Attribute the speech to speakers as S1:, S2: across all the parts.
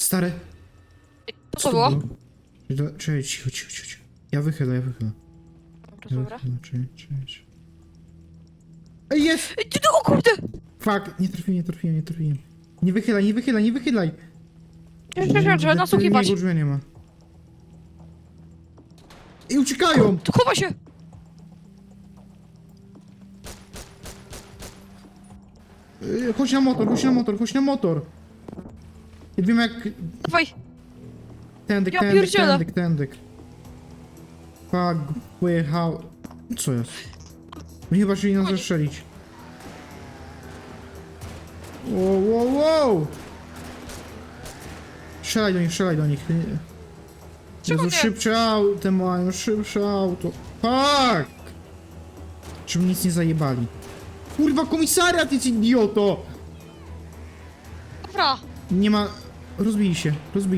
S1: Stary.
S2: Co to było?
S1: Czekaj, cicho. Ja wychylę.
S2: Dobra.
S1: Czekaj. Ej, jest!
S2: Ej, ty, o kurde!
S1: Fuck, nie trafiłem. Nie wychylaj!
S2: Trzeba nasłuchiwać.
S1: Drzwi nie ma. I uciekają!
S2: Tu chowa się!
S1: Chodź na motor! Ja wiem jak...
S2: Dawaj!
S1: Tędyk.
S2: Ja pierdzielę.
S1: Fuck, pojechał... Co jest? No chyba chcieli nas zastrzelić. Wow! Strzelaj do nich.
S2: Czego
S1: Jezu,
S2: nie?
S1: szybsze auto. Fuck! Żeby nic nie zajebali. Kurwa, komisariat jest idioto!
S2: Dobra!
S1: Nie ma... Rozbili się.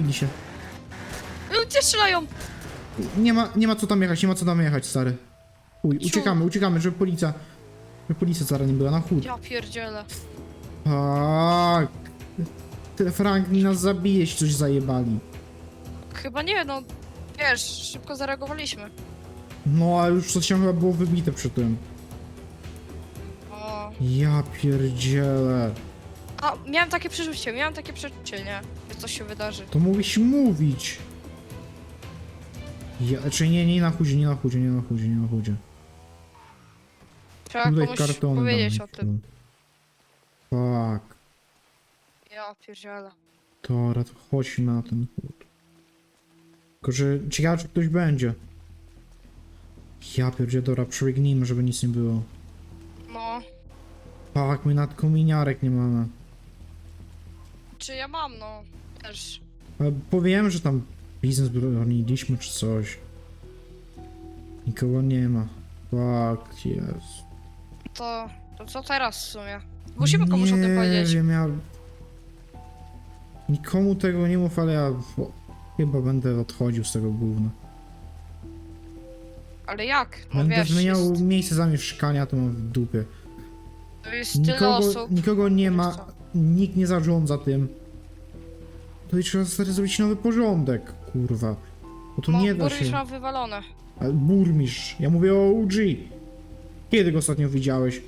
S2: Ludzie strzelają!
S1: Nie ma co tam jechać, stary. Uciekamy, żeby policja zaraz nie była na chód.
S2: Ja pierdzielę.
S1: Fuck. Te Franklin nas zabije, jeśli coś zajebali.
S2: Chyba nie, no... Wiesz, szybko zareagowaliśmy.
S1: No, a już coś tam chyba było wybite przy tym.
S2: O...
S1: Ja pierdzielę.
S2: A, miałem takie przeczucie, nie? Że coś się wydarzy.
S1: To mógłbyś mówić. Czy nie na chudzie.
S2: Trzeba
S1: Tutaj
S2: komuś
S1: kartony
S2: powiedzieć
S1: damy.
S2: o tym.
S1: Fuck.
S2: Ja pierdzielę.
S1: Dobra, to chodźmy na ten chód. Tylko, że ciekawe, czy ktoś będzie. Ja pierdzielę, dobra, przebiegnijmy, żeby nic nie było.
S2: No...
S1: Fuck, my nad kominiarek nie mamy.
S2: Czy ja mam, no... Też...
S1: Ale powiem, że tam biznes broniliśmy czy coś. Nikogo nie ma. Fuck, jest.
S2: To co teraz w sumie? Musimy komuś o tym powiedzieć.
S1: Nie wiem, ja... Nikomu tego nie mów, ale ja... Chyba będę odchodził z tego gówna.
S2: Ale jak? No
S1: Będę
S2: wiesz,
S1: zmieniał miejsce zamieszkania, to mam w dupie.
S2: to jest tyle osób.
S1: Nikogo nie ma,
S2: Co?
S1: nikt nie zarządza tym. To i trzeba stary zrobić nowy porządek, kurwa. Bo to
S2: No,
S1: nie da
S2: burmistrz
S1: się.
S2: ma wywalone.
S1: Ale burmistrz, ja mówię o OG. Kiedy go ostatnio widziałeś?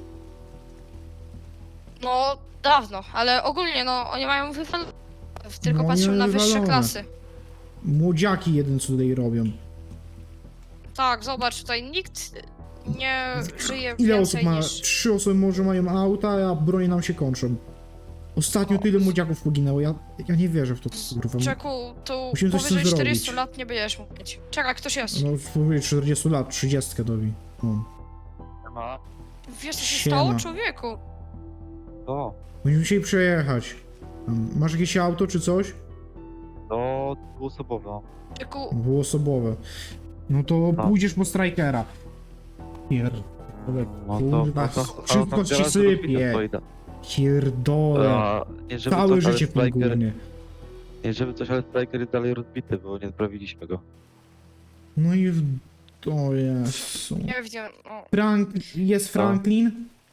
S2: No, dawno, ale ogólnie, no, oni mają wywalone. Tylko
S1: No,
S2: patrzą
S1: nie
S2: na wyższe
S1: wywalone.
S2: klasy.
S1: Młodziaki jeden co tutaj robią.
S2: Tak, zobacz, tutaj nikt nie żyje
S1: Ile osób
S2: więcej
S1: ma?
S2: niż...
S1: 3 osoby może mają auta, a bronie nam się kończą. Ostatnio tyle młodziaków poginęło, ja nie wierzę w to, kurwa.
S2: Czeku, tu
S1: Musimy coś z
S2: powyżej
S1: tym
S2: 40
S1: zrobić.
S2: lat nie będziesz mógł mieć. Czekaj, ktoś jest.
S1: No, powyżej 40 lat, 30 dobi. No.
S3: Ma?
S2: Wiesz, co się
S1: Siema.
S2: stało, człowieku?
S3: To,
S1: Będziemy musieli przejechać. Masz jakieś auto czy coś?
S3: to dwuosobowe.
S2: Czeku,
S1: Dwuosobowe. No to
S3: No.
S1: pójdziesz po strajkera. Pierdolę,
S3: No
S1: kurwa,
S3: to
S1: wszystko ci sypie. Pierdolę.
S3: Nie żeby
S1: Całe
S3: coś, ale
S1: życie w tym
S3: Striker,
S1: gównie.
S3: nie żeby coś, ale Striker jest dalej rozbity, bo nie sprawiliśmy go.
S1: No i to jest...
S2: nie wiem, no,
S1: Jest Franklin?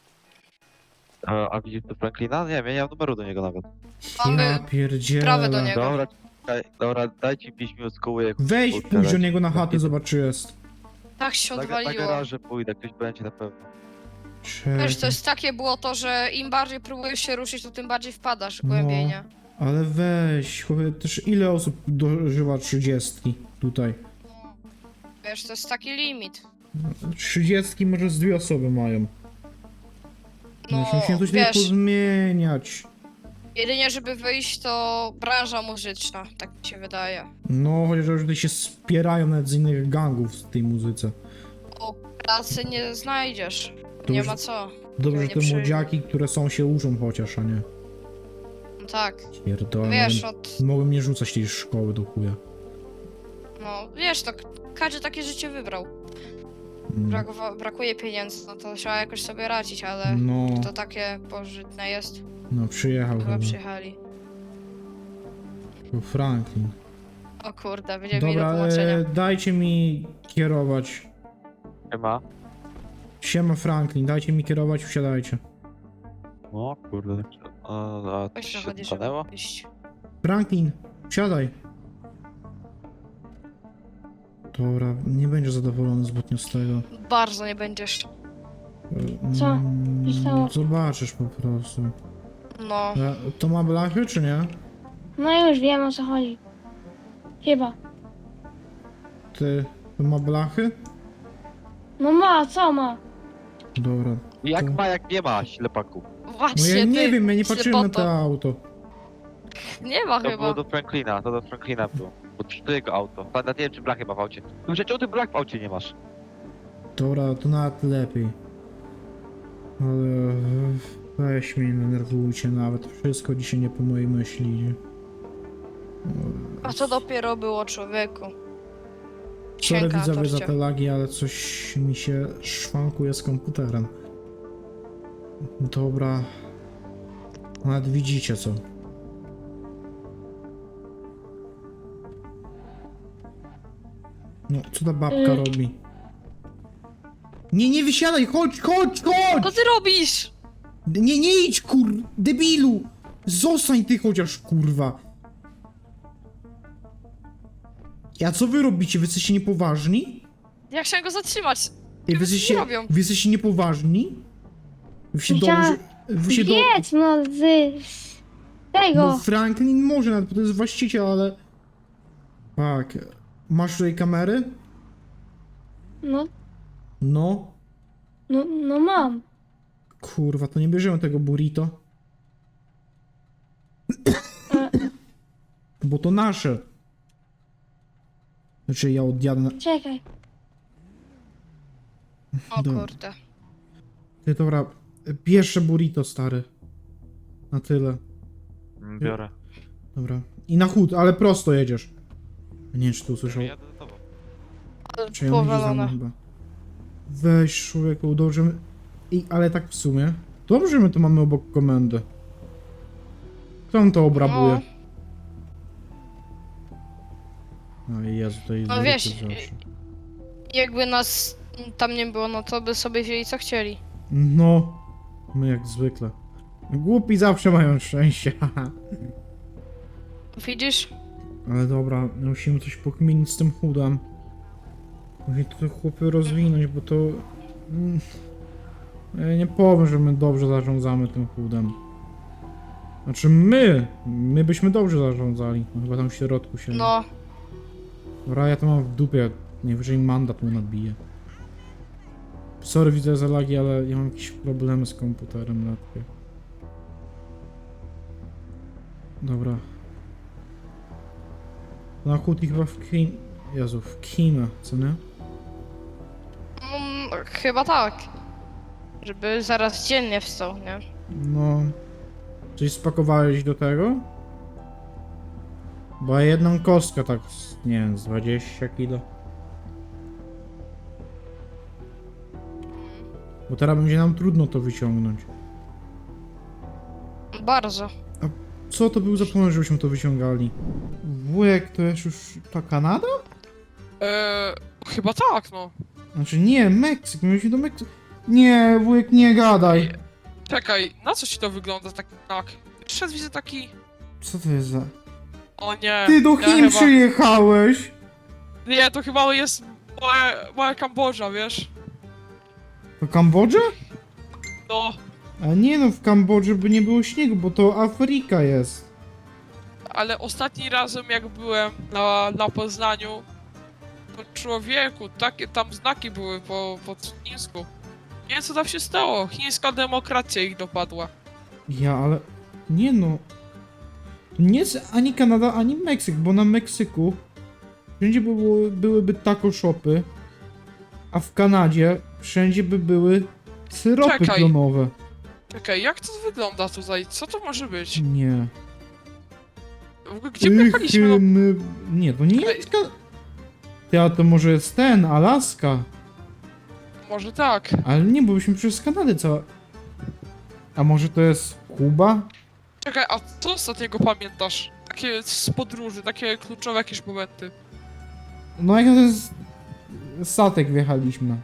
S3: A widzisz to Franklina? Nie wiem, ja nie mam numeru do niego nawet.
S1: Ja
S2: mamy
S1: pierdzielę.
S2: sprawę do niego.
S3: Dobra, czekaj, dobra, dajcie 5 minut z koły, jak
S1: Weź
S3: kurczę,
S1: pójdź do
S3: leci.
S1: niego na chatę, zobacz czy jest.
S2: Tak się
S3: Na
S2: odwaliło.
S3: garaże pójdę, ktoś będzie na pewno.
S2: Wiesz, to jest takie było to, że im bardziej próbujesz się ruszyć, to tym bardziej wpadasz
S1: No.
S2: głębiej, nie?
S1: Ale weź, chłopie, też ile osób dożywa 30 tutaj?
S2: Wiesz, to jest taki limit.
S1: 30 może z 2 osoby mają.
S2: No,
S1: Musimy coś
S2: wiesz,
S1: pozmieniać.
S2: jedynie żeby wyjść, to branża muzyczna, tak mi się wydaje.
S1: No, chociaż już tutaj się spierają nawet z innych gangów w tej muzyce.
S2: O pracy nie znajdziesz.
S1: To
S2: Nie
S1: już
S2: ma co.
S1: Dobrze, że
S2: nie
S1: te
S2: przyjdzie.
S1: młodziaki, które są, się uczą chociaż, a nie.
S2: No tak.
S1: Pierdolę.
S2: Wiesz, od...
S1: Mogłem nie rzucać tej szkoły do chuja.
S2: No, wiesz, to każdy takie życie wybrał. Brakuje pieniędzy, no to trzeba jakoś sobie radzić, ale
S1: No,
S2: to takie pożytne jest.
S1: no przyjechał
S2: Chyba
S1: chyba.
S2: przyjechali.
S1: To Franklin.
S2: O kurde, będziemy mieli do
S1: Dobra,
S2: tłumaczenia.
S1: dajcie mi kierować.
S3: Nie ma?
S1: Siema Franklin, dajcie mi kierować, wsiadajcie.
S3: No kurde, a
S2: Weź
S3: coś się
S2: zachodzi,
S3: stanęło?
S2: żeby iść.
S1: Franklin, siadaj. Dobra, nie będzie zadowolony zbytnio z tego.
S2: Bardzo nie będziesz.
S4: Co?
S1: Mm,
S4: Zostało?
S1: Zobaczysz po prostu.
S2: No.
S1: To ma blachy, czy nie?
S4: No już wiem o co chodzi. Chyba.
S1: Ty, to ma blachy?
S4: No ma, co ma?
S1: Dobra.
S3: Jak
S1: To-
S3: ma, jak nie ma, ślepaku.
S2: Właśnie,
S1: No ja nie
S2: ty,
S1: wiem, ja nie patrzyłem na
S2: ślepoto.
S1: to auto.
S2: Nie ma
S3: To
S2: chyba.
S3: było do Franklina, to do Franklina było. Bo to jego auto. Nawet nie wiem, czy blachy ma w aucie. No czemu ty blach w aucie nie masz?
S1: Dobra, to nawet lepiej. Ale weź mnie, nie denerwujcie nawet. Wszystko dzisiaj nie po mojej myśli idzie.
S2: A co dopiero było, człowieku?
S1: Sorry
S2: Księga na
S1: widzowie za
S2: torcie.
S1: te lagi, ale coś mi się szwankuje z komputerem. Dobra. Nawet widzicie co. No, co ta babka robi? Nie, nie wysiadaj, chodź, chodź, chodź!
S2: Co ty robisz?
S1: Nie, nie idź, debilu! Zostań ty chociaż, kurwa! Ja co wy robicie? Wy jesteście niepoważni?
S2: Ja chciałem go zatrzymać.
S1: Ej,
S2: Wy co robią?
S1: wy jesteście niepoważni? Wy się
S4: Ja-
S1: dobrze... Wy się
S4: Jedź no z tego.
S1: No Franklin może nawet, bo to jest właściciel, ale... Tak. Masz tutaj kamery?
S4: No,
S1: No.
S4: no mam.
S1: Kurwa, to nie bierzemy tego burrito.
S4: E,
S1: Bo to nasze. Znaczy ja odjadę na...
S4: czekaj.
S2: O
S1: Dobra.
S2: kurde.
S1: Ty, dobra, pierwsze burrito, stary. Na tyle.
S3: Biorę.
S1: Dobra. I na chód, ale prosto jedziesz. Nie wiem, czy tu usłyszał.
S3: Jadę za tobą.
S1: Czy ja będzie za mną
S2: Powalone.
S1: chyba. Weź, człowieku, dobrze my... ale tak w sumie. Dobrze my to mamy obok komendy. Kto nam to obrabuje? No i Jezu, to jest
S2: No
S1: zwykły
S2: wiesz,
S1: zawsze.
S2: Jakby nas tam nie było, no to by sobie wzięli co chcieli.
S1: No. My jak zwykle. Głupi zawsze mają szczęście, haha.
S2: Widzisz?
S1: Ale dobra, musimy coś pokminić z tym chudem. Musimy to chłopy rozwinąć, bo to... Ja nie powiem, że my dobrze zarządzamy tym chudem. Znaczy my byśmy dobrze zarządzali. No, chyba tam w środku się...
S2: No.
S1: Dobra, ja to mam w dupie, najwyżej mandat mu nadbije. Sorry, widzę za lagi, ale ja mam jakieś problemy z komputerem lekkie. Dobra. Na chód i chyba w Kim... Jezu, w Kimę, co nie?
S2: Chyba tak. Żeby zaraz dziennie wstał, nie?
S1: No... Coś spakowałeś do tego? Bo jedną kostkę tak, nie wiem, z 20 kilo. Bo teraz będzie nam trudno to wyciągnąć.
S2: Bardzo.
S1: Co to był za pomysł, żebyśmy to wyciągali? Wujek, to jest już ta Kanada?
S5: Chyba tak, no.
S1: Znaczy nie, Meksyk, mieliśmy do Meksyku. Nie, wujek, nie gadaj.
S5: Czekaj, na co ci to wygląda tak? Przed widzę taki...
S1: Co to jest za...
S5: O nie.
S1: Ty do
S5: ja
S1: Chin
S5: chyba...
S1: przyjechałeś!
S5: Nie, to chyba jest moja Kambodża, wiesz?
S1: To Kambodża?
S5: No,
S1: A nie no, w Kambodży by nie było śniegu, bo to Afryka jest.
S5: ale ostatni razem jak byłem na Poznaniu, to człowieku, takie tam znaki były po chińsku. Nie wiem co tam się stało, chińska demokracja ich dopadła.
S1: Ja, ale... Nie no... To nie jest ani Kanada, ani Meksyk, bo na Meksyku wszędzie byłyby taco shopy, a w Kanadzie wszędzie by były syropy
S5: Czekaj.
S1: klonowe.
S5: Czekaj, jak to wygląda tutaj? Co to może być?
S1: Nie.
S5: W ogóle gdzie my jechaliśmy? No,
S1: Nie, to nie jest Ty, a to może jest ten, Alaska.
S5: może tak.
S1: Ale nie, bo byśmy przez Kanadę cała... A może to jest Kuba?
S5: Czekaj, a co ostatniego pamiętasz? Takie z podróży, takie kluczowe jakieś momenty.
S1: No jak to jest... Statek wjechaliśmy.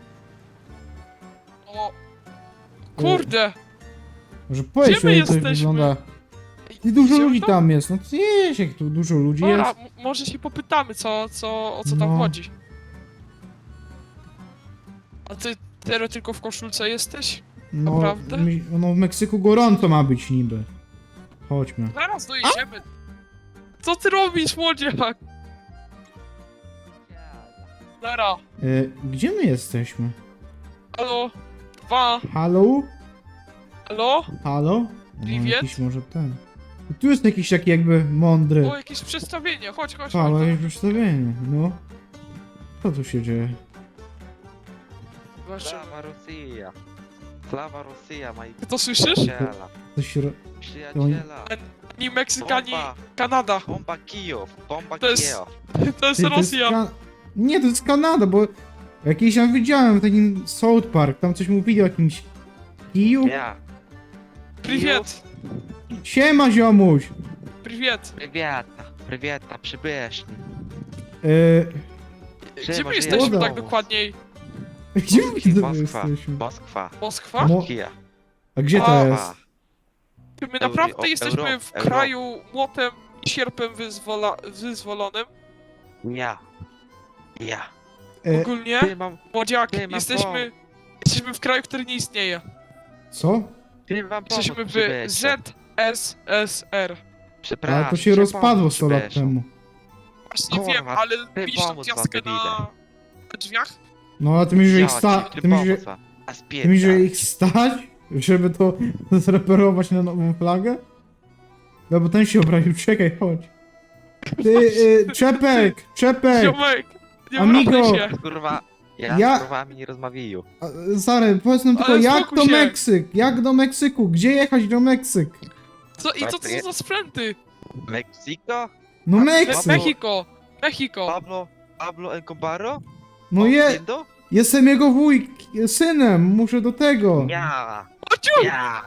S5: O... Kurde!
S1: Może powiedz,
S5: Gdzie my
S1: jak to
S5: jesteśmy?
S1: wygląda... I dużo
S5: Wziął
S1: ludzi
S5: to?
S1: tam jest, no to wiesz, jak tu dużo ludzi
S5: Dobra,
S1: jest.
S5: może się popytamy, o co tam
S1: No.
S5: chodzi. A ty teraz tylko w koszulce jesteś?
S1: No,
S5: naprawdę?
S1: no w Meksyku gorąco ma być niby. Chodźmy.
S5: Zaraz dojedziemy. Co ty robisz, młodziak? Dara,
S1: Gdzie my jesteśmy?
S5: halo? Dwa,
S1: Halo?
S5: halo?
S1: Halo? No,
S5: Privet?
S1: jakiś może ten. Tu jest jakiś taki jakby mądry.
S5: O, jakieś przedstawienie, chodź.
S1: Halo, jakieś przedstawienie, no. Co tu się dzieje?
S5: Zobaczymy.
S3: Slawa Rosja. Slawa Rosja, moi
S5: Ty to słyszysz?
S3: przyjaciela.
S1: Coś się...
S3: Przyjaciela.
S5: Ani Meksyk, ani
S3: Bomba,
S5: Kanada.
S3: bomba Kijów, bomba
S5: To jest-
S3: Kijów.
S5: To jest
S1: Ty,
S5: Rosja.
S1: Nie, to jest Kanada, bo jakiś tam widziałem w takim South Park, tam coś mówili o jakimś kiju.
S3: Ja.
S5: Privet,
S1: Siema ziomuś!
S5: privet.
S3: Prywieta, przybyszni.
S5: Gdzie
S3: Siema,
S5: my
S3: żyjesz
S5: jesteśmy
S1: w
S5: tak
S3: domu?
S5: dokładniej?
S1: Gdzie my widzę,
S3: Moskwa.
S1: jesteśmy?
S3: Moskwa.
S5: Moskwa?
S1: Mo-
S3: Kija.
S1: A gdzie to
S5: A,
S1: jest?
S5: Czy my naprawdę jesteśmy w
S3: Euro.
S5: kraju młotem i sierpem wyzwolonym?
S3: Ja. Ja.
S1: E,
S5: Ogólnie,
S3: Ty mam,
S5: młodziak,
S3: ty mam
S5: jesteśmy w kraju, który nie istnieje.
S1: co?
S3: ty mam pomóc,
S5: Jesteśmy w
S3: przybyszu.
S5: ZSSR.
S3: Przepraszam.
S1: Ale to się
S3: ty
S1: rozpadło
S3: pomóc,
S1: 100 lat
S3: przybyszu.
S1: temu.
S5: Właśnie
S3: Kurwa,
S5: wiem, ale
S3: ty
S5: widzisz tą
S3: pomóc wam,
S5: gwiazdkę na drzwiach?
S1: No a ty myślisz, że ich
S3: Ja ci,
S1: ty myślisz, że,
S3: pomóc wam. A
S1: ty myślisz, że
S3: spierdalaj.
S1: ich stać? Żeby to zreperować na nową flagę? No bo ten się obraził, czekaj, chodź. Ty, Czepek!
S5: Ziomek, nie
S1: Amigo.
S5: wracaj się.
S3: Kurwa,
S1: Ja-
S3: ja z kurwami nie rozmawiаю.
S1: Zary, powiedz nam tylko,
S5: Ale
S1: jak
S5: spokój
S1: do
S5: się.
S1: Meksyk? Jak do Meksyku? Gdzie jechać do Meksyk?
S5: Co, i co to są za sprzęty?
S3: Mexico?
S1: No
S3: A,
S1: Meksyk!
S5: Mexico.
S3: Pablo Escobaro?
S1: No
S3: Entiendo?
S1: jestem jego synem, muszę do tego.
S3: Ja.
S5: Ociu!
S3: Ja.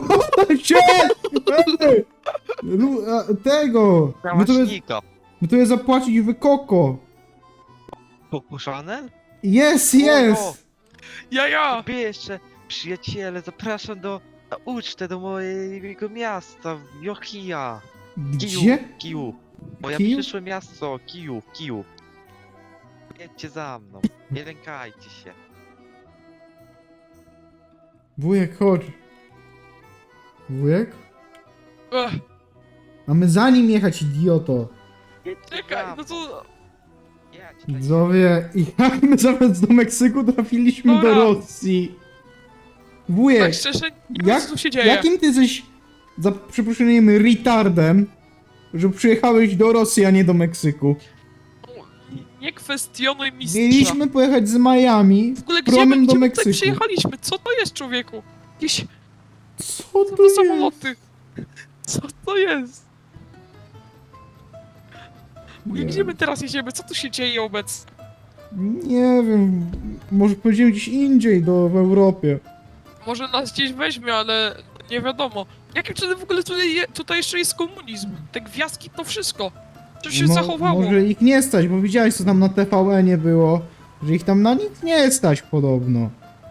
S1: Tego!
S3: Kałaszniko.
S1: My tu je zapłacić wykoko.
S3: Pokuszony?
S1: Jest!
S5: Ja!
S3: Wy jeszcze, przyjaciele, zapraszam na ucztę do mojego miasta, w Jochija.
S1: Gdzie?
S3: Kiju. Moje
S1: Kijów?
S3: przyszłe miasto, Kiju. Jedźcie za mną, nie lękajcie się.
S1: Wujek, chodź. Wujek?
S5: Ech,
S1: Mamy za nim jechać, idioto.
S3: Jedźcie
S5: czekaj,
S3: za
S5: no
S3: mną.
S5: to...
S3: Jedź,
S1: Widzowie, jak my zamiast do Meksyku trafiliśmy
S5: Dobra.
S1: do Rosji? Wujek,
S5: Tak szczerze, nie wiem
S1: jak-
S5: co tu się dzieje.
S1: jakim ty jesteś, za przeproszeniem, retardem, że przyjechałeś do Rosji, a nie do Meksyku?
S5: Nie kwestionuj mistrza.
S1: Mieliśmy pojechać z Miami
S5: W ogóle
S1: promem do
S5: gdzie my tutaj
S1: Meksyku.
S5: przyjechaliśmy? Co to jest, człowieku? Jakieś...
S1: Co
S5: Co
S1: to
S5: to
S1: jest?
S5: samoloty? Co to jest?
S1: Nie.
S5: Gdzie my teraz jedziemy? Co tu się dzieje obecnie?
S1: Nie wiem, może pojedziemy gdzieś indziej, w Europie.
S5: Może nas gdzieś weźmie, ale nie wiadomo. Jakim cudem w ogóle tutaj jeszcze jest komunizm? Te gwiazdki, to wszystko. Co się zachowało?
S1: Może ich nie stać, bo widziałeś, co tam na TVN-ie było, że ich tam na nic nie stać podobno.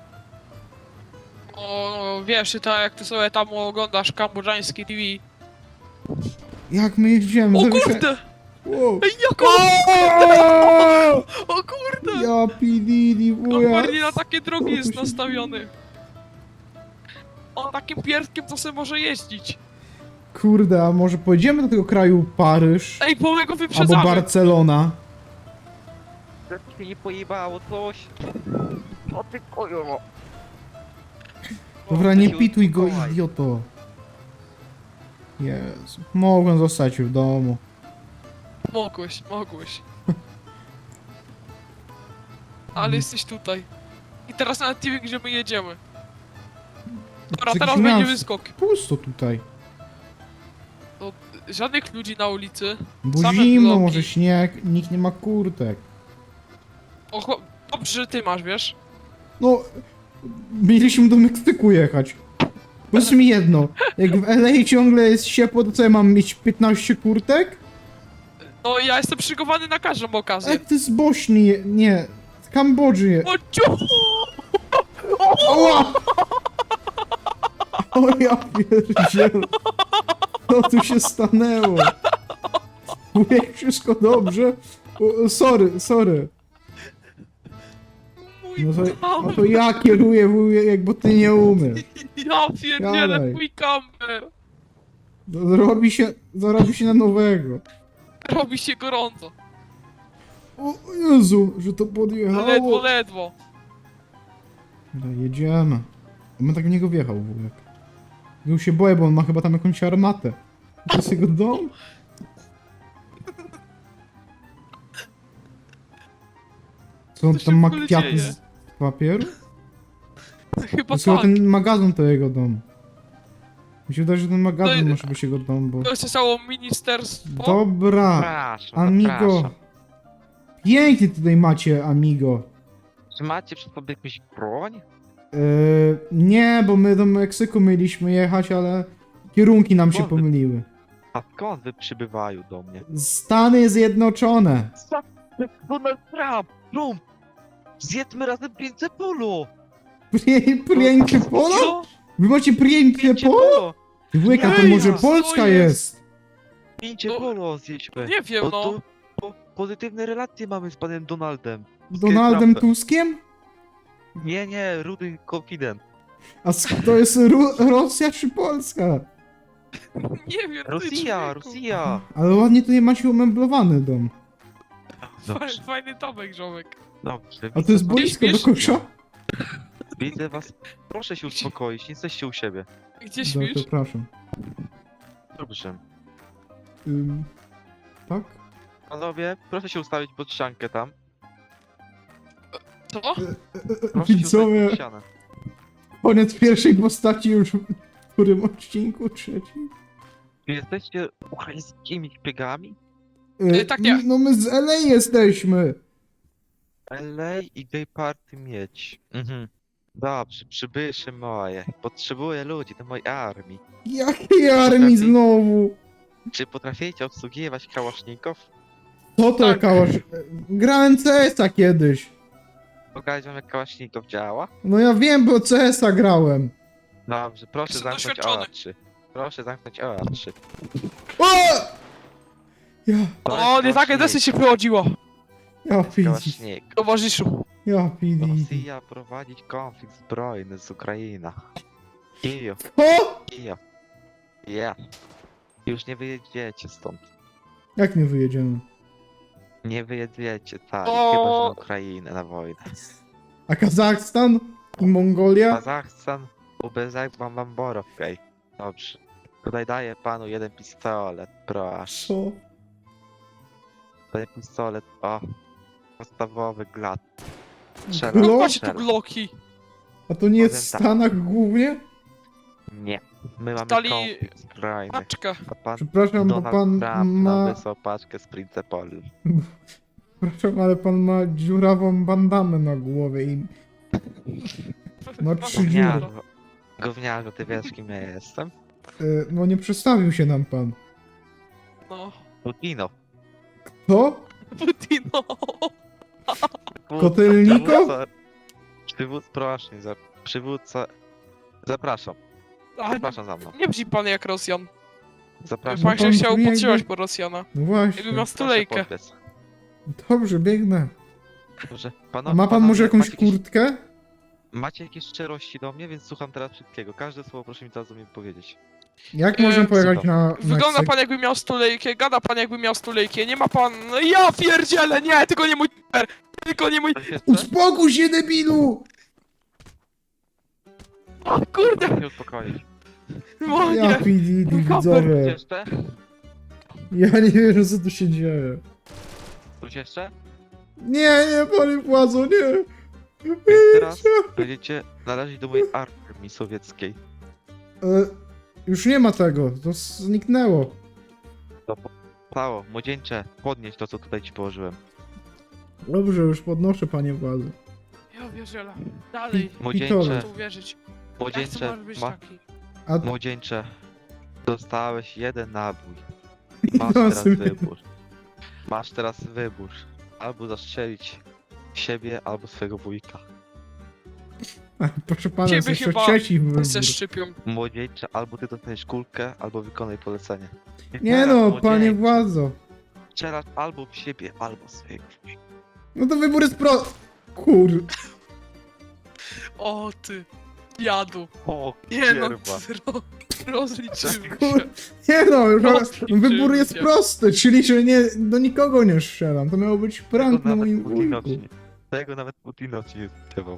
S5: O, wiesz, ty tak jak ty sobie tam oglądasz kambodżański TV.
S1: Jak my jeździmy?
S5: O kurde!
S1: Wow.
S5: Ej, jako...
S1: O!
S5: O kurde!
S1: Ja pididi, wuja.
S5: Kompletnie na takie
S1: Co
S5: drogi
S1: tu
S5: jest
S1: się-
S5: nastawiony. On takim pierdkiem to sobie może jeździć.
S1: Kurde, a może pojedziemy do tego kraju Paryż?
S5: Ej, bo my go
S1: Albo
S5: wyprzedzamy.
S1: Barcelona?
S3: To się nie pojebało coś. O ty kojo.
S1: Dobra, nie pituj go, idioto. Jezu, mogłem zostać w domu.
S5: Mogłeś. Ale jesteś tutaj. I teraz nawet nie wiem, gdzie my jedziemy. Dobra,
S1: Jakieś
S5: teraz będzie
S1: miasto.
S5: wyskok.
S1: Pusto tutaj.
S5: Żadnych ludzi na ulicy.
S1: Bo
S5: Same
S1: zimno,
S5: bloki.
S1: może śnieg, nikt nie ma kurtek.
S5: O, dobrze, że ty masz, wiesz?
S1: No, mieliśmy do Meksyku jechać. Powiedz mi jedno, jak w LA ciągle jest ciepło, to co ja mam mieć 15 kurtek?
S5: No ja jestem przygotowany na każdą okazję.
S1: Jak ty z Bośni, nie, z Kambodży.
S5: O ciu!
S1: Oła! O ja pierdzielę. Co tu się stanęło? Wujek, wszystko dobrze? Sorry.
S5: Mój
S1: No to ja kieruję, wujek, bo ty nie umiesz.
S5: Ja pierdzielę,
S1: Gadaj.
S5: mój kamper.
S1: Zarobi się na nowego.
S5: Robi się gorąco.
S1: O Jezu, że to podjechało.
S5: Ledwo.
S1: No jedziemy. On tak w niego wjechał, wujek. Już się boję, bo on ma chyba tam jakąś armatę. To jest jego dom? Co on
S5: Co się
S1: tam ma
S5: w ogóle
S1: kwiaty
S5: dzieje?
S1: z papieru? To
S5: Chyba
S1: jest chyba
S5: tak.
S1: ten magazyn to jego dom. Mi się wydaje, że ten magazyn
S5: No i-
S1: może być jego dom, bo...
S5: To jest całe ministerstwo.
S1: Dobra,
S3: Zapraszam,
S1: amigo.
S3: zapraszam.
S1: Pięknie tutaj macie, amigo.
S3: Czy macie przy sobie jakąś broń?
S1: Nie, bo my do Meksyku mieliśmy jechać, ale kierunki nam się
S3: Skąd wy-
S1: pomyliły.
S3: A skąd wy przybywają do mnie?
S1: Stany Zjednoczone.
S3: Donald Trump! Zjedzmy razem 500 polo!
S1: Piękne polo?
S5: Co?
S1: Wy macie piękne
S3: 500
S1: polo?
S3: polo!
S1: Wujek, a to
S5: Ej,
S1: może
S5: co
S1: Polska
S5: jest?
S1: jest?
S3: 500
S5: No,
S3: polo zjedźmy!
S5: Nie wiem,
S3: Bo
S5: no.
S3: to pozytywne relacje mamy z panem Donaldem.
S1: Donaldem
S3: Trumpem.
S1: Tuskiem?
S3: Nie, rudy confident.
S1: A to jest Rosja czy Polska?
S5: Nie wiem, ty
S3: Rosja,
S5: człowieku.
S3: Rosja!
S1: Ale ładnie tutaj macie umeblowany dom.
S3: Dobrze,
S5: Fajny domek, ziomek.
S3: dobrze.
S1: A to jest
S3: widzę-
S1: boisko do
S5: śmiesz?
S1: kosza?
S3: Widzę was. Proszę się uspokoić, nie jesteście u siebie.
S5: Gdzie
S1: Dobrze,
S5: śpisz?
S1: przepraszam.
S3: Dobrze.
S1: Tak?
S3: Panowie, proszę się ustawić pod ściankę tam.
S5: Co?
S3: Proszę się ustawić
S1: Widzowie,
S3: pod ścianę.
S1: koniec pierwszej postaci już w którym odcinku? Trzecim?
S3: Czy jesteście ukraińskimi szpiegami?
S5: Tak, nie.
S1: No my z LA jesteśmy.
S3: LA i gay party mieć. Dobrze, przybysze moje. Potrzebuję ludzi do mojej armii.
S1: Jakiej armii znowu?
S3: Czy potraficie obsługiwać kałaszników?
S1: Co to
S5: Tak.
S1: kałasz? Grałem CS-a kiedyś.
S3: Pokażę wam jak kałaszników działa?
S1: No ja wiem, bo CS-a grałem.
S3: Dobrze, proszę
S5: Jestem
S3: zamknąć
S5: doświadczony.
S3: oczy. Proszę zamknąć oczy.
S1: O! Ja,
S3: To
S5: O,
S3: jest
S5: nie takie desy się wychodziło.
S1: ja pidi,
S3: Kałasznik.
S5: Towarzyszu.
S1: ja pidi.
S3: Rosja prowadzić konflikt zbrojny z Ukrainą. Kijów,
S1: O!
S3: Kijów. Ja. Już nie wyjedziecie stąd.
S1: Jak nie wyjedziemy?
S3: Nie wyjedziecie, tak.
S5: O!
S3: Chyba, że na Ukrainę na wojnę.
S1: A Kazachstan? I Mongolia?
S3: Kazachstan, UBZ, mam borów, okej. Dobrze. Tutaj daję panu jeden pistolet, proszę.
S1: Co?
S3: Daję pistolet, o. Podstawowy glad.
S1: Glock?
S3: Strzelam,
S5: Macie tu
S3: strzelam.
S5: gloki.
S1: A to nie jest w
S3: Powiem tak.
S1: Stanach głównie?
S3: Nie. My mamy
S5: Stali-
S3: konflikt zbrojny.
S5: Paczka.
S3: A pan
S1: Przepraszam, bo
S3: Donald
S1: pan
S3: Trump nam
S1: ma...
S3: wysłał paczkę z Principol.
S1: Przepraszam, ale pan ma dziurawą bandamę na głowie i... No, trzy dziury.
S3: Gówniarzu, gówniarzu, ty wiesz kim ja jestem?
S1: No nie przedstawił się nam pan.
S5: No.
S3: Putino.
S1: To?
S5: Putino.
S1: Kotelniko?
S3: Przywódca, proszę, przywódca. Zapraszam,
S5: Ale
S3: zapraszam za mną.
S5: nie brzmi pan jak Rosjan.
S3: Zapraszam.
S5: Pan się
S1: pan
S5: chciał
S1: brzmi jakby-
S5: podszywać po Rosjana.
S1: No
S5: Jakby
S1: właśnie.
S5: miał
S3: Proszę
S5: stulejkę.
S3: podbiec.
S1: Dobrze, biegnę.
S3: Dobrze.
S1: A ma pan może jakąś
S3: macie jakieś,
S1: kurtkę?
S3: macie jakieś szczerości do mnie, więc słucham teraz wszystkiego. Każde słowo proszę mi teraz do mnie powiedzieć.
S1: Jak możemy pojechać
S3: super.
S1: na
S5: Wygląda
S1: Meksyk?
S5: pan jakby miał stulejkę, gada pan jakby miał stulejkę, nie ma pan... No ja pierdzielę, nie, tylko nie mój numer, tylko nie mój...
S3: Coś jeszcze?
S1: Uspokój się, debilu!
S5: Kurde,
S3: Proszę się uspokoić.
S5: no
S1: Ja
S5: nie.
S1: PD,
S3: Coś
S1: widzowie.
S3: jeszcze?
S1: Ja nie wiem, co tu się dzieje.
S3: Coś jeszcze?
S1: Nie, panie władzo, nie.
S3: Więc teraz będziecie należeć do mojej armii sowieckiej.
S1: Już nie ma tego, to zniknęło.
S3: Stało, młodzieńcze, podnieś to, co tutaj ci położyłem.
S1: Dobrze, już podnoszę, panie władzo.
S5: Ja pierdzielę, dalej,
S3: Młodzieńcze,
S1: Pitole.
S5: tu uwierzyć. Ja chcę
S3: młodzieńcze,
S5: może być
S3: ma,
S5: taki.
S1: A
S3: młodzieńcze, dostałeś jeden nabój. Masz
S1: No,
S3: teraz
S1: sobie-
S3: wybór. Masz teraz wybór. Albo zastrzelić siebie, albo swojego wujka.
S1: Proszę pana, jest
S5: Ciebie
S1: jeszcze
S5: chyba
S1: trzeci wybór.
S5: Ze szczypią.
S3: Młodzieńcze, albo ty dostaniesz kulkę, albo wykonaj polecenie.
S1: Nie
S3: teraz,
S1: no, panie
S3: młodzieńcze.
S1: władzo.
S3: Strzelasz albo w siebie, albo w swojego.
S1: No to wybór jest Kur...
S5: O ty, jadu.
S3: O,
S5: Nie no,
S3: kierwa.
S5: rozliczymy
S1: Kur...
S5: się.
S1: Nie no,
S5: Rozliczymy
S1: wybór jest
S5: się.
S1: prosty, czyli że nie, do nikogo nie strzelam. To miało być prank na moim wujku.
S3: Tego nawet Putinow nie zdawał.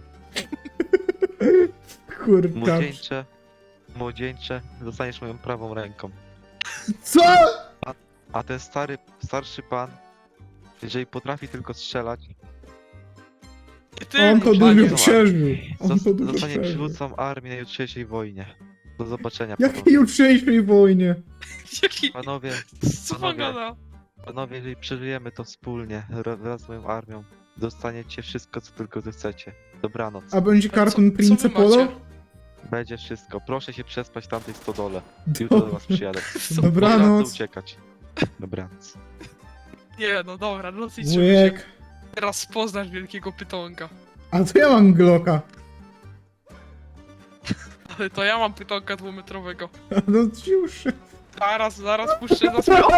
S1: Kurka.
S3: Młodzieńcze, zostaniesz moją prawą ręką.
S1: Co?
S3: A ten starszy pan, jeżeli potrafi tylko strzelać,
S5: Ty,
S1: On to
S3: panie,
S1: dużo
S3: no,
S1: przeżył. On to dużo
S3: zostanie
S1: przeżył.
S3: przywódcą armii na jutrzejszej wojnie. Do zobaczenia,
S1: Jakiej jutrzejszej wojnie?
S5: Jaki...
S3: panowie.
S5: Co pan
S3: panowie.
S5: gada?
S3: Panowie, jeżeli przeżyjemy to wspólnie, wraz z moją armią, dostaniecie wszystko, co tylko zechcecie. Dobranoc.
S1: A będzie karton
S5: Co
S1: Prince
S5: wy macie?
S1: Polo?
S3: Będzie wszystko. Proszę się przespać w tamtej stodole. Jutro do was przyjadę.
S1: Dobranoc.
S3: uciekać. Dobranoc.
S5: Nie no dobra, rozliczymy się.
S1: Wujek.
S5: Teraz poznasz wielkiego pytonka.
S1: A to ja mam Glocka.
S5: Ale to ja mam pytonka dwumetrowego.
S1: A no już.
S5: Zaraz puszczę za swoją...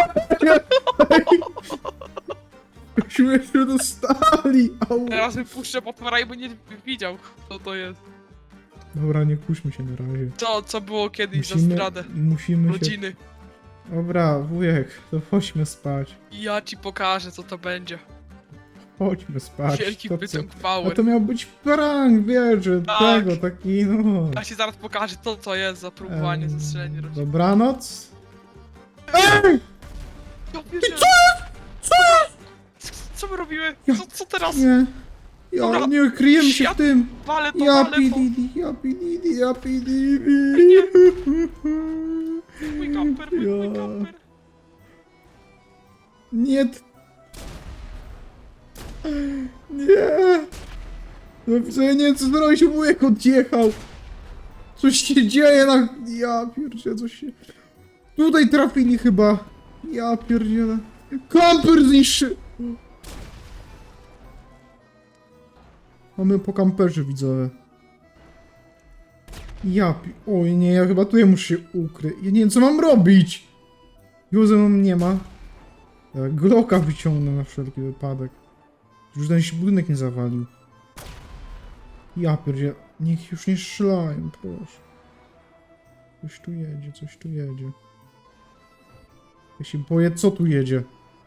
S1: Myśmy się dostali. Au.
S5: Teraz wypuszczę potwora i by nie widział, co to jest.
S1: Dobra, nie kuśmy się na razie.
S5: Co było kiedyś za zdradę.
S1: Musimy się...
S5: Rodziny.
S1: Dobra, wujek, to chodźmy spać.
S5: I ja ci pokażę, co to będzie.
S1: Chodźmy spać.
S5: Wielki
S1: To
S5: pytonk
S1: A
S5: power.
S1: to miał być prank, wiesz, że
S5: Tak.
S1: tego, taki no...
S5: Ja ci zaraz pokażę to, co jest za próbowanie zestrzelenia rodziny.
S1: Dobranoc.
S5: Ja pierdzielę. Co my robimy? Co teraz?
S1: Nie. Ja
S5: Dobra.
S1: nie kryjemy się w
S5: Świat-
S1: tym.
S5: Wale to,
S1: Ja
S5: wale to.
S1: pididi, ja pididi, ja pididi.
S5: Mój kamper, mój
S1: Ja.
S5: kamper.
S1: Nie. Nie. Dobrze, nie, co zrobić, wujek odjechał. Coś się dzieje na... Ja pierdzielę, coś się... Tutaj trafili chyba. Ja pierdzielę. Kamper zniszczy... Mamy po kamperze, widzowie. Oj nie, ja chyba tutaj muszę się ukryć. Ja nie wiem, co mam robić. Józef nie ma. Ja Glocka wyciągnę na wszelki wypadek. Już ten się budynek nie zawalił. Ja pierdzie, niech już nie strzelają, proszę. Coś tu jedzie, coś tu jedzie. Ja się boję, co tu jedzie.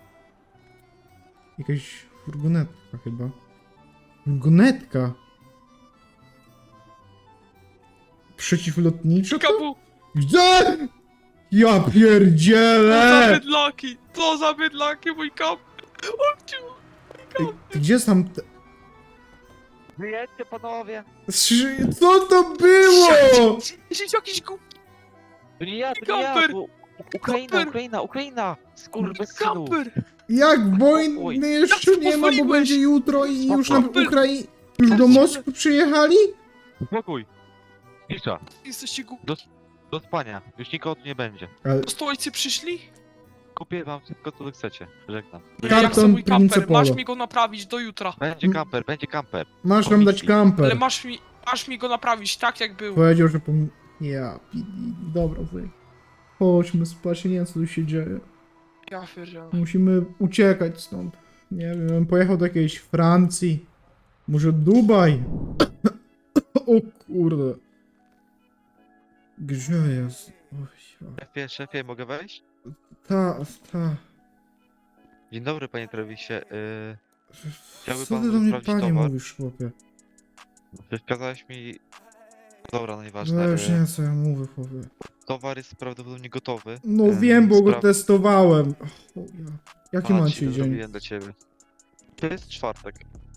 S1: Jakaś furgonetka chyba. Furgonetka? Przeciwlotnicza to?
S5: Kapu,
S1: Gdzie? Ja
S5: to za
S1: pierdzielę!
S5: bydlaki, to za bydlaki, mój kamper. Obciu.
S1: Gdzie tam...
S3: Wyjedźcie, panowie!
S1: Co to było?
S5: Jeśli jakiś głupi
S3: To nie ja, to nie
S5: Kamper!
S3: ja! Ukraina,
S5: Kamper!
S3: Ukraina! Skurwysynu!
S5: kamper.
S1: Jak wojny jeszcze
S5: Jak
S1: nie ma, bo
S5: pozwoliłeś?
S1: będzie jutro i już na
S5: Kamper!
S1: Ukrainie... Już do Moskwy przyjechali?
S3: Spokój! Cisza!
S5: Jesteście głupi.
S3: Do spania. Już nikogo tu nie będzie.
S1: Ale
S5: Do stolicy przyszli?
S3: Kupię wam wszystko, co wy chcecie. Żegnam.
S5: Nie,
S1: Karton
S5: ja chcę mój
S1: Prince
S5: kamper, masz
S1: Polo.
S5: mi go naprawić do jutra.
S3: Będzie kamper, będzie kamper.
S1: masz nam dać
S5: Ale
S1: kamper.
S5: masz mi go naprawić tak, jak był.
S1: Powiedział, że Ja, dobra, wujek. Chodźmy spać, nie wiem co tu się dzieje.
S5: Ja pierdzielę.
S1: Musimy uciekać stąd. Nie wiem, bym pojechał do jakiejś Francji. Może Dubaj? O kurde. Gdzie jest? Oj,
S3: Szefie, mogę wejść?
S1: ta.
S3: Dzień dobry, panie Trevisie. Chciałby
S1: Co
S3: pan
S1: ty do mnie
S3: sprawdzić
S1: panie
S3: towar?
S1: mówisz, chłopie?
S3: Wskazałeś mi... Dobra, no nieważne.
S1: Weź, nie co ja mówię, chłopie.
S3: Towar jest prawdopodobnie gotowy.
S1: No wiem, bo go
S3: Spra-
S1: testowałem. O, ja. Jaki
S3: A,
S1: macie
S3: dzisiaj
S1: dzień?
S3: zrobiłem dla ciebie. To jest czwartek.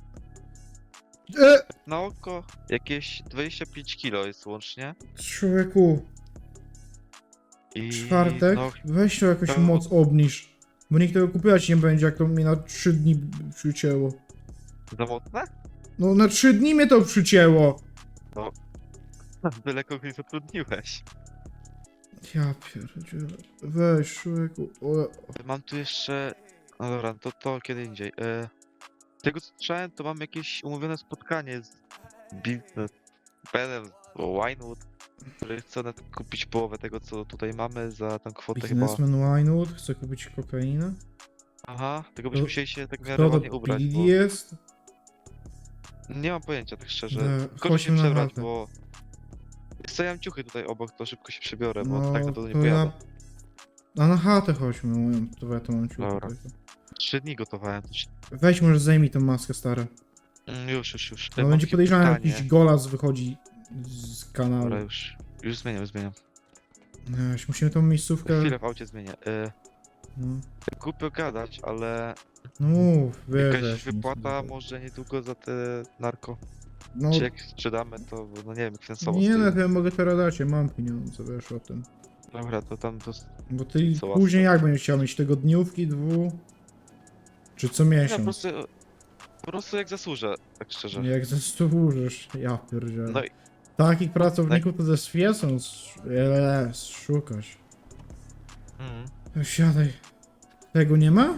S3: Na oko jakieś 25 kilo jest łącznie.
S1: Człowieku,
S3: I
S1: czwartek?
S3: No,
S1: Weź to jakoś
S3: to-
S1: moc obniż. Bo nikt tego kupować nie będzie, jak to mnie na 3 dni przycięło.
S3: za mocne?
S1: No na 3 dni mnie to przycięło.
S3: Byle kogoś zatrudniłeś.
S1: Ja pierdzielę. Weź, człowieku. O,
S3: Mam tu jeszcze... No dobra, to kiedy indziej. Z tego co słyszałem, to mam jakieś umówione spotkanie z biznes panem Winewood, który chce kupić połowę tego, co tutaj mamy za tą kwotę chyba.
S1: Biznesman Winewood chce kupić kokainę?
S3: Aha, tylko byśmy musieli się tak w miarę
S1: Kto to
S3: ładnie ubrać,
S1: Billy
S3: bo
S1: jest?
S3: nie mam pojęcia tak szczerze. Tylko się
S1: Chodźmy na
S3: przebrać,
S1: chatę.
S3: bo stawiam ciuchy tutaj obok, to szybko się przebiorę, bo
S1: No,
S3: tak to nie
S1: to
S3: pojadę.
S1: A na chatę chodźmy, ja to mam ciuchy.
S3: Dobra.
S1: tylko.
S3: 3 dni gotowałem.
S1: Weź może zdejmij tą maskę, stare.
S3: Już.
S1: No
S3: Mam
S1: będzie
S3: takie
S1: podejrzane,
S3: pytanie.
S1: jakiś golas wychodzi z kanału.
S3: Dobra, już zmieniam.
S1: Musimy tą miejscówkę...
S3: Chwilę w aucie zmienię.
S1: No,
S3: Głupio gadać, ale
S1: no mów, wiesz,
S3: jakaś
S1: weź mi
S3: wypłata
S1: sobie.
S3: może niedługo za te narko.
S1: No,
S3: Czy jak sprzedamy, to no nie wiem, jak finansowo
S1: nie,
S3: stoi.
S1: no to ja mogę teraz dać, ja mam pieniądze, wiesz o tym.
S3: Dobra, to tam to...
S1: Bo ty
S3: Co
S1: później
S3: łatwo.
S1: jak będziesz chciał mieć tygodniówki, czy co
S3: Ja
S1: miesiąc?
S3: po prostu jak zasłużę, tak szczerze.
S1: Jak zasłużysz, ja pierdzielę.
S3: No i
S1: Takich pracowników to ze świecą szukać. Siadaj. Tego nie ma?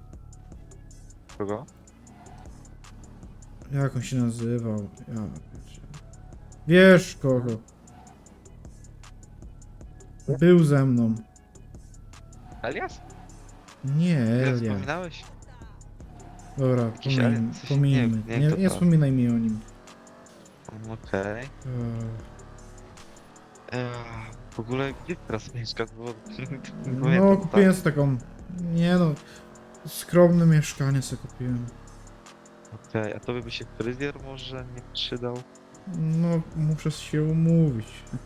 S3: kogo?
S1: Jak on się nazywał? Ja pierdzielę. Wiesz kogo? Był ze mną.
S3: Elias?
S1: Nie,
S3: Elias
S1: Elia.
S3: wspominałeś?
S1: Dobra,
S3: Jakiś
S1: pomijmy,
S3: Elias, coś-
S1: pomijmy.
S3: nie wiem,
S1: Nie,
S3: kto
S1: nie
S3: to.
S1: wspominaj mi o nim.
S3: Okej. W ogóle gdzie teraz mieszkasz? Bo nie
S1: No,
S3: pamiętam,
S1: kupiłem sobie taką... Nie no, skromne mieszkanie sobie kupiłem.
S3: Okej, a tobie by się fryzjer może nie przydał?
S1: No, muszę się umówić.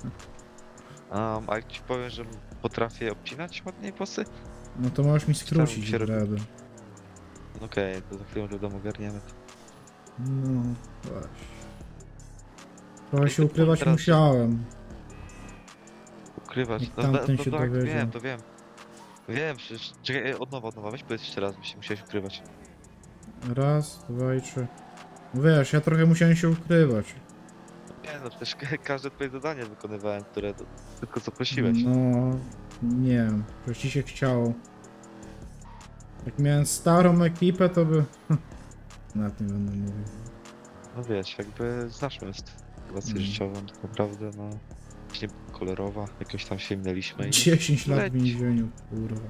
S3: A jak ci powiem, że potrafię obcinać ładniej włosy?
S1: No to możesz mi skrócić
S3: się robi.
S1: dready.
S3: Okej, to za chwilę do domu ogarniemy to.
S1: No, weź. Trochę
S3: I
S1: się
S3: to
S1: ukrywać
S3: teraz-
S1: musiałem.
S3: Ukrywać.
S1: Jak tamten się
S3: tak,
S1: dowiedział.
S3: wiem. Wiem, przecież... Czekaj, od nowa, weź powiedz jeszcze raz, by się musiałeś ukrywać.
S1: Raz, dwa i trzy. No wiesz, ja trochę musiałem się ukrywać.
S3: Nie no, przecież każde twoje zadanie wykonywałem, które tylko co prosiłeś.
S1: No, nie wiem, że ci się chciało. Jak miałem starą ekipę, to by... Nawet nie będę mówił.
S3: No wiesz, jakby znasz moją sytuację
S1: Mm.
S3: życiową, tak naprawdę, no... Właśnie kolorowa, jakoś tam się minęliśmy i...
S1: 10 lat w
S3: leć.
S1: więzieniu, kurwa.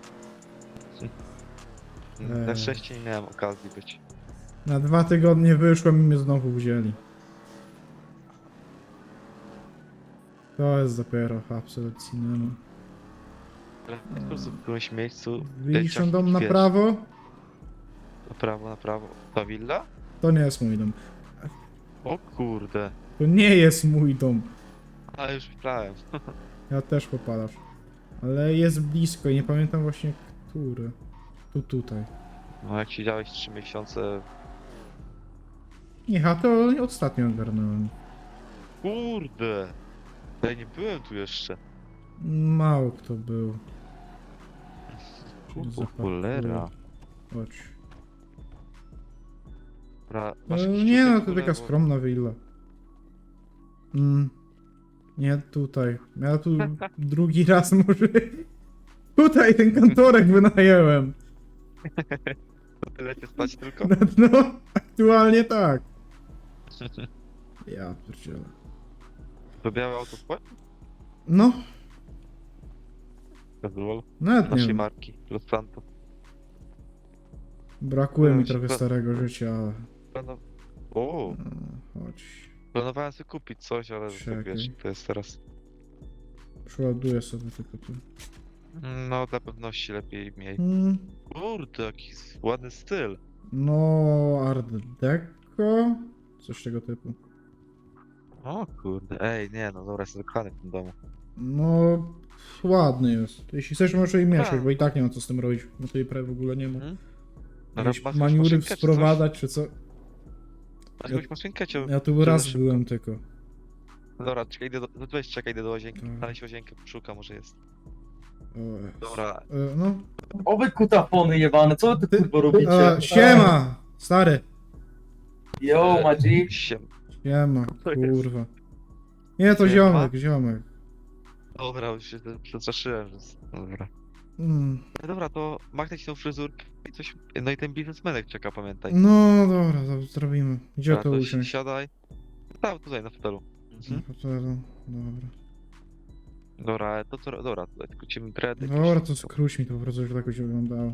S3: Na szczęście nie miałem okazji być.
S1: Na 2 tygodnie wyszłem i mnie znowu wzięli. To jest dopiero absolut cinema.
S3: Ale po prostu w którymś miejscu...
S1: Widzisz ten
S3: jak
S1: dom na
S3: wiesz,
S1: prawo?
S3: Na prawo. Ta willa?
S1: To nie jest mój dom.
S3: O kurde.
S1: To nie jest mój dom.
S3: A już myślałem.
S1: Ja też popadasz. Ale jest blisko i nie pamiętam właśnie który. Tutaj.
S3: No jak siedziałeś 3 miesiące...
S1: Nie, a to ostatnio ogarnąłem.
S3: Kurde! Ja nie byłem tu jeszcze.
S1: Mało kto był.
S3: Cholera.
S1: Chodź.
S3: Dobra, masz jakiś
S1: Nie
S3: tutaj
S1: no,
S3: w
S1: to
S3: ogóle,
S1: taka
S3: bo-
S1: skromna willa. Nie tutaj. Ja tu drugi raz może... Tutaj ten kantorek wynajęłem.
S3: To tyle cię spać tylko?
S1: No, aktualnie tak. Ja pierdzielę.
S3: To białe auto twoje?
S1: No,
S3: Casual.
S1: nawet nie
S3: Naszej
S1: wiem.
S3: marki. Los Santos.
S1: Brakuje mi
S3: No,
S1: trochę
S3: się-
S1: starego życia, ale...
S3: O,
S1: No, chodź.
S3: planowałem sobie kupić coś, ale
S1: Czekaj.
S3: tak wiesz, to jest teraz.
S1: Przeładuję sobie tylko tu.
S3: No, dla pewności lepiej miej. Kurde, jaki ładny styl.
S1: No, Art Deco? Coś tego typu.
S3: O kurde, ej, nie no, dobra, jestem zakochany w tym domu.
S1: No, ładny jest. Jeśli chcesz, możesz jej mieszać,
S3: Tak.
S1: bo i tak nie ma co z tym robić. No tej prawie w ogóle nie ma.
S3: Mhm.
S1: Jakieś
S3: Masz
S1: maniury
S3: maszynkę czy coś?
S1: sprowadzać, czy co?
S3: Masz jakąś maszynkę, czy...
S1: Ja tu
S3: czy
S1: raz
S3: szybko?
S1: byłem tylko.
S3: Dobra, czekaj, idę do łazienki,
S1: Tak.
S3: znaleźć łazienkę, poszuka, może jest.
S1: O,
S3: Dobra,
S1: No.
S6: O wy kutafony jebane, co wy tu kurwa robicie?
S1: Siema! Stary!
S6: Yo, Madzik.
S3: To
S1: Siema,
S3: jest-
S1: kurwa. Nie, to
S3: Siema.
S1: ziomek.
S3: dobra, już się przestraszyłem, że... Dobra.
S1: Mm.
S3: No dobra, to machnę ci tą fryzurkę i coś... No i ten biznesmenek czeka, pamiętaj.
S1: No dobra, to zrobimy. Gdzie
S3: Dobra,
S1: to
S3: to
S1: usiąść?
S3: siadaj. Tam, tutaj, na fotelu. Mhm.
S1: Dobra.
S3: Dobra, ale dobra, tutaj skrócimy dready.
S1: Dobra, to skróć mi to po prostu, żeby jakoś wyglądało.